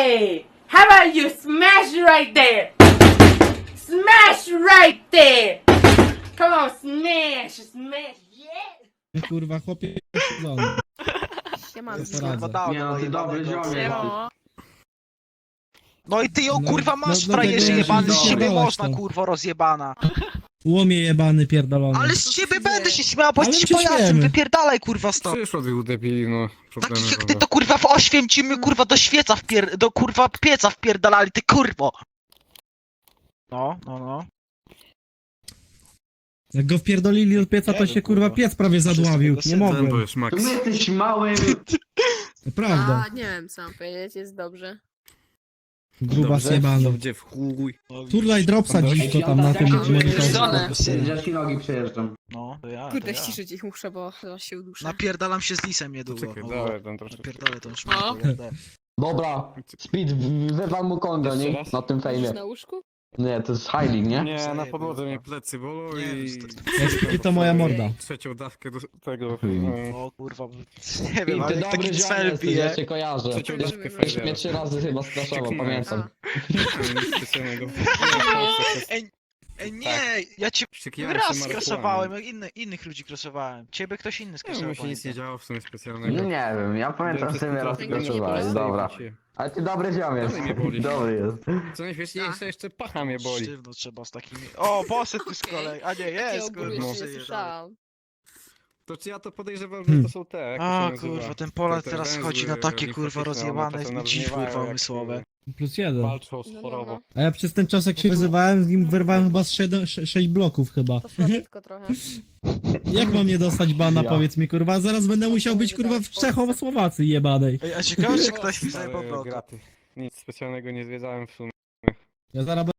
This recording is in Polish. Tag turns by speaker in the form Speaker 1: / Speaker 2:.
Speaker 1: Hey, how about you smash right there? Smash right there! Come on, smash, yeah!
Speaker 2: Kurwa, chłopie siedzony.
Speaker 3: Siemanko.
Speaker 2: Co poradzę?
Speaker 4: Nie no, ty dobry ziomek.
Speaker 3: Siemo.
Speaker 5: No i ty ją
Speaker 2: No,
Speaker 5: kurwa masz,
Speaker 2: no,
Speaker 5: frajerze
Speaker 2: dlatego
Speaker 5: jebany,
Speaker 2: ja
Speaker 5: z
Speaker 2: się
Speaker 5: ciebie
Speaker 2: zjebałeś
Speaker 5: można
Speaker 2: tam.
Speaker 5: kurwo rozjebana.
Speaker 2: Łomie jebany pierdolony.
Speaker 5: Ale z ciebie będę się śmiał, bo
Speaker 2: Ale
Speaker 5: jesteś
Speaker 2: się
Speaker 5: pajacem,
Speaker 2: śmiejemy.
Speaker 5: wypierdalaj kurwa stąd.
Speaker 6: Przyszło tych debili, no. Problemy
Speaker 5: Takich jak ty
Speaker 6: mamy.
Speaker 5: to kurwa w Oświęcimiu kurwa do świeca do kurwa pieca wpierdalali, ty kurwo. No.
Speaker 2: Jak go wpierdolili od pieca, to
Speaker 5: Nie
Speaker 2: się
Speaker 5: wiem,
Speaker 2: kurwa
Speaker 5: kurwa.
Speaker 2: piec prawie zadławił.
Speaker 5: Wszyscy
Speaker 2: Nie
Speaker 5: tego
Speaker 6: Ten
Speaker 2: mogłem.
Speaker 6: to jest
Speaker 4: To
Speaker 6: Max.
Speaker 4: my jesteś małym...
Speaker 2: To prawda.
Speaker 3: A, nie wiem co mam powiedzieć, jest dobrze.
Speaker 2: Gruba zjebany.
Speaker 6: Dobrze w chuj.
Speaker 2: Turlaj dropsa dziś tam na tym monitorze.
Speaker 4: Ja ci nogi przejeżdżam.
Speaker 5: No, to ja.
Speaker 3: Kurde, ściszyć ich muszę, bo zaraz się uduszę.
Speaker 5: Napierdalam się z lisem niedługo.
Speaker 6: Czekaj,
Speaker 5: No,
Speaker 6: dawaj ten troszeczkę.
Speaker 5: napierdolę tą
Speaker 3: O.
Speaker 5: szmatę.
Speaker 7: Dobra, Speed, wywal mu kongo,
Speaker 6: Jeszcze
Speaker 7: nie?
Speaker 6: raz?
Speaker 7: Na tym fejmie.
Speaker 3: Na łóżku?
Speaker 7: Nie, to jest Heilig, nie?
Speaker 6: Nie, na podłodze mnie plecy bolą
Speaker 5: Nie,
Speaker 6: i...
Speaker 2: I to moja morda.
Speaker 6: Trzecią dawkę do tego...
Speaker 5: O kurwa, nie wiem,
Speaker 7: I
Speaker 5: ale
Speaker 7: ty
Speaker 5: jak taki
Speaker 7: dobry
Speaker 5: cel
Speaker 7: ziomek,
Speaker 5: bije.
Speaker 7: ja cię kojarzę.
Speaker 6: Trzecią
Speaker 7: Ty
Speaker 6: dawkę
Speaker 7: już mnie 3 razy chyba straszował,
Speaker 6: Czeknąłem.
Speaker 7: pamiętam.
Speaker 6: Nic specjalnego.
Speaker 5: Ej, nie, ja cię
Speaker 6: Wściekliłem się
Speaker 5: raz
Speaker 6: marihuaną.
Speaker 5: skrosowałem, jak innych ludzi krosowałem. Ciebie ktoś inny
Speaker 6: Nie,
Speaker 5: skrosował.
Speaker 6: mi się nic nie
Speaker 5: pamiętam.
Speaker 6: działo w sumie
Speaker 7: No
Speaker 6: specjalnego.
Speaker 7: nie wiem, ja pamiętam, że mnie raz
Speaker 3: Tego nie
Speaker 7: skoczowałeś,
Speaker 3: boli.
Speaker 7: dobra. Ale ty dobry ziomek,
Speaker 6: Dalej mnie boli.
Speaker 7: dobry jest.
Speaker 6: Co najśmieszniejsze, jeszcze pacha mnie boli.
Speaker 5: Sztywno trzeba z takimi... O, poszedł tu z kolei, a nie,
Speaker 3: Ja
Speaker 5: jest,
Speaker 3: ogólnie
Speaker 5: kurwa,
Speaker 6: no.
Speaker 3: nie
Speaker 5: przyjeżdżamy.
Speaker 3: słyszałam.
Speaker 6: To czy ja to podejrzewam, że to są te, jak to się
Speaker 5: A
Speaker 6: nazywa?
Speaker 5: kurwa, ten Polak
Speaker 6: Te
Speaker 5: teraz
Speaker 6: węzły
Speaker 5: chodzi na takie kurwa
Speaker 6: limfatyczne, one
Speaker 5: rozjebane
Speaker 6: potem
Speaker 5: dziś
Speaker 6: nabrzmiewają,
Speaker 5: kurwa
Speaker 6: jak,
Speaker 5: umysłowe.
Speaker 2: +1.
Speaker 6: Walczą z
Speaker 3: No,
Speaker 6: chorobą.
Speaker 2: A ja przez ten czas jak się wyzywałem, z nim wyrwałem chyba z 6 bloków chyba.
Speaker 3: To słodko trochę.
Speaker 2: Jak mam nie dostać bana,
Speaker 7: Ja.
Speaker 2: powiedz mi kurwa, zaraz będę musiał być kurwa w Czechosłowacji jebanej.
Speaker 5: Ej, a ciekawe czy ktoś mi
Speaker 6: Stare
Speaker 5: zajebał bloka.
Speaker 6: graty. Nic specjalnego nie zwiedzałem w sumie.
Speaker 2: Ja zaraz